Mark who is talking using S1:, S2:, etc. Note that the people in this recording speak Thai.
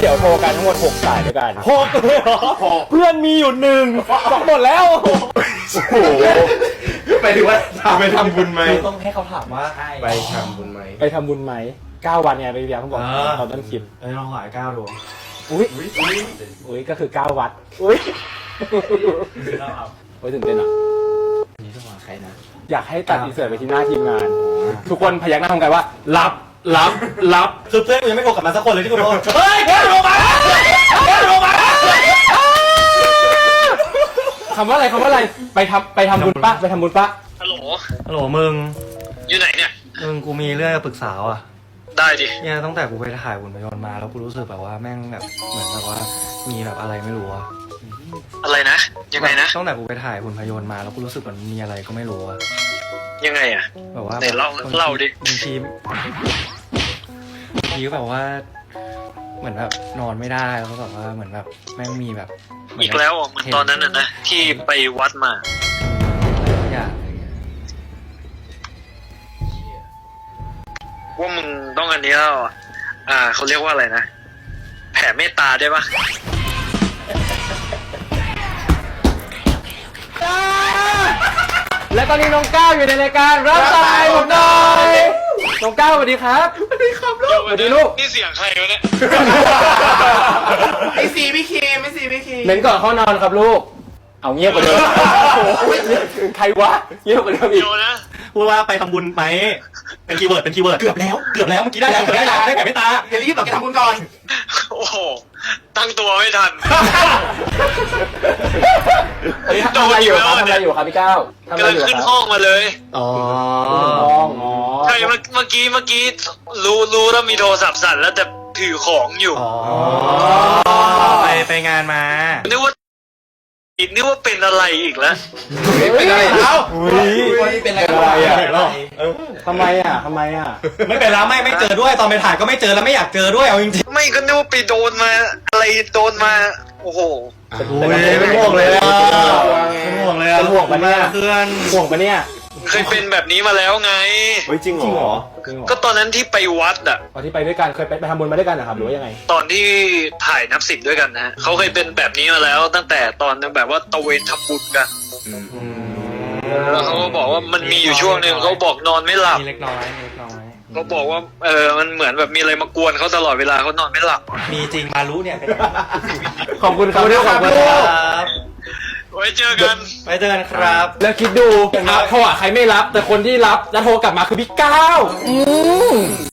S1: เดี๋ยวโทรกันทั้งหมด6 สายด้วยกัน
S2: 6 เลยเหรอ
S1: เพื่อนมีอยู่1 หมดแล้ว
S2: โอ้โหไปถึงว่าไปทำบุญไหม
S3: ต้องให้เขาถามว่า
S2: ไปทำบุญไหม
S1: ไปทำบุญไหม9 วันไงไปเบียร์เขาบอกตอนต้นคลิป
S3: ลองหาย9 ดวง
S1: อุ้ยก็คือ9 วัดอุ้ยโอ้ยตื่นเต้นอ่ะ
S3: นี่ต้องหาใครนะ
S1: อยากให้ตัดอินเสิร์ตไปที่หน้าทีมงาน ทุกคนพยักหน้าทำกันว่ารับ
S3: คือเพื่อนกูยังไม่โทรกลับมาสักคนเลยที่กูโทร
S1: เฮ้ยแกโทรมาคำว่าอะไรไปทำบุญปะไปทำบุญปะ
S4: ฮัลโหล
S3: ฮัลโหลมึง
S4: อยู่ไหนเนี่ย
S3: กูมีเรื่องจะปรึกษาอ่ะ
S4: ได้ดิ
S3: เนี่ยตั้งแต่กูไปถ่ายหุ่นพยนต์มาแล้วกูรู้สึกแบบว่าแม่งแบบเหมือนแบบว่ามีแบบอะไรไม่รู้อะ
S4: อะไรนะ ยังไงนะ
S3: ตั้งแต่กูไปถ่ายหุ่นพยนต์มาแล้วกูรู้สึกเหมือนมีอะไรก็ไม่รู้อะ
S4: ยังไงอ่ะ
S3: แบบว่า
S4: ไหนเล่าดิ
S3: บางทีก็แบบว่า เหมือนแบบนอนไม่ได้แล้วก็แบบว่าเหมือนแบบแม่งมีแบบ
S4: อีกแล้วอ่ะเหมือนตอนนั้นน่ะนะที่ไปวัดมา
S3: อะไรทุกอย่างอะไรเงี้ย
S4: ว่ามึงต้องอันนี้แล้วอ่ะเขาเรียกว่าอะไรนะ แผ่เมตตาได้ปะ
S1: และตอนนี้น้องก้าวอยู่ในรายการรับสายผมหน่อยน้องก้าวสวัสดีครับสวัสดีครับลูกสวัสดีลูก
S4: นี่เสียงใครวะเนี่ย
S2: ไอซีพี่คีมไอซีพี่คีม
S1: เน้นก่อนเข้านอนครับลูกเอาเงียบกว่าเดิมใครวะเงียบกว่าเดิมอีก
S4: เดี๋ยวนะ
S3: พูดว่าไปทำบุญไหมเป็นคีย์เวิร์ดเกือบแล้วเมื่อกี้ได้แล้วได้ไก่ไม่ตา
S2: เดี๋ยวรีบบอกแกทำบุญก่อน
S4: โอ้โหตั้งตัวไม่ทัน
S1: ทำอะไรอยู่ครับพี่ก้าวทำอะไร
S4: กำลัง
S1: อยู่
S4: ขึ้น
S1: ครับ
S4: ห้องมาเลย
S3: อ๋อ
S1: ห้องอ๋อ
S4: ใช่เมื่อกี้รู้แล้วมีโทรศัพท์สั่นแล้วแต่ถือของอยู่
S3: ไปงานมา
S4: นึกว่าเป็นอะไรอีกแล้ว
S2: เป็นอะไรเอ้า
S3: เป็นอะไรอ่ะ
S1: ทำไมอ่ะ
S3: ไม่เป็นแล้วไม่เจอด้วยตอนไปถ่ายก็ไม่เจอแล้วไม่อยากเจอด้วยเอาจริง
S4: ไม่ก็นึกว่าไปโดนมาอะไรโดนมาโอ้โห
S3: เป็นห่วงเลยอ่ะเป็นห่วงเลยอ่ะ
S1: เป็นห่วงปะเนี่ย
S3: เพื่อน
S1: ห่วงปะเนี่ย
S4: เคยเป็นแบบนี้มาแล้วไง
S2: เฮ้ยจริงเหรอ
S4: ก็ตอนนั้นที่ไปวัดอ่ะ
S1: ตอนที่ไปด้วยกันเคยไปทำบุญมาด้วยกันนะครับหรือว่ายังไง
S4: ตอนที่ถ่ายนับสิบด้วยกันนะเขาเคยเป็นแบบนี้มาแล้ว ตั้งแต่ตอนแบบว่าตะเวนทำบุญกันแล้วเขาก็บอกว่ามันมีอยู่ช่วงหนึ่งเขาบอกนอนไม่หลับ
S3: มีเล็กน้อย
S4: เขาบอกว่ามันเหมือนแบบมีอะไรมากวนเขาตลอดเวลาเขานอนไม่หลับ
S3: มีจริงมารู้เนี่ย
S1: ขอบคุณครับ
S3: ขอบคุณครับ
S4: ไว้เจอกัน
S3: ไปเจอกันครับ
S1: แล้วคิดดูโทรหาใครไม่รับ แต่คนที่รับแล้วโทรกลับมาคือพี่ก้าว